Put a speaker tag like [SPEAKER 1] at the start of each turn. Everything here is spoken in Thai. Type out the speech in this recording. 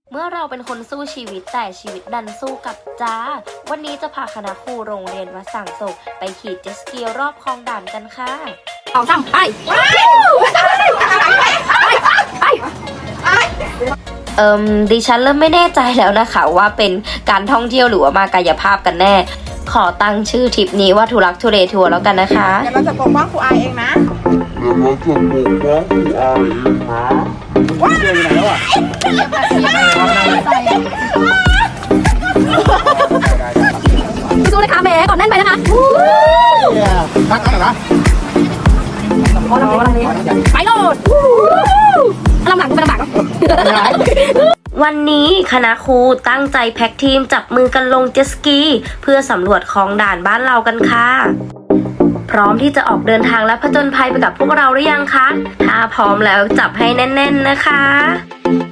[SPEAKER 1] เมื่อเราเป็นคนสู้ชีวิตแต่ชีวิตดันสู้กับจ้าวันนี้จะพาคณะครูโรงเรียนวัดสังโศกไปขี่เจ็ตสกีรอบคลองด่านกันค่ะ2 3ไปดิฉันเริ่มไม่แน่ใจแล้วนะคะว่าเป็นการท่องเที่ยวหรือว่ามากายภาพกันแน่ ขอตั้งชื่อทริปนี้ว่าทุลักทุเลทัวร์แล้วกันนะคะ
[SPEAKER 2] เดี๋ยวเราจะปกป้องครูอายเองนะว้าวเจออยู่ไหนแล้วอ่ะ
[SPEAKER 3] สู้เลยค่ะแม่ก่อนแน่นไปนะคะ
[SPEAKER 2] พักกันเหรอ
[SPEAKER 3] ไปโหลดลำหลังกูเป็นลำบาก
[SPEAKER 1] วันนี้คณะครูตั้งใจแพ็กทีมจับมือกันลงเจ็ตสกีเพื่อสำรวจคลองด่านบ้านเรากันค่ะพร้อมที่จะออกเดินทางและผจญภัยไปกับพวกเราหรือยังคะถ้าพร้อมแล้วจับให้แน่นๆนะคะ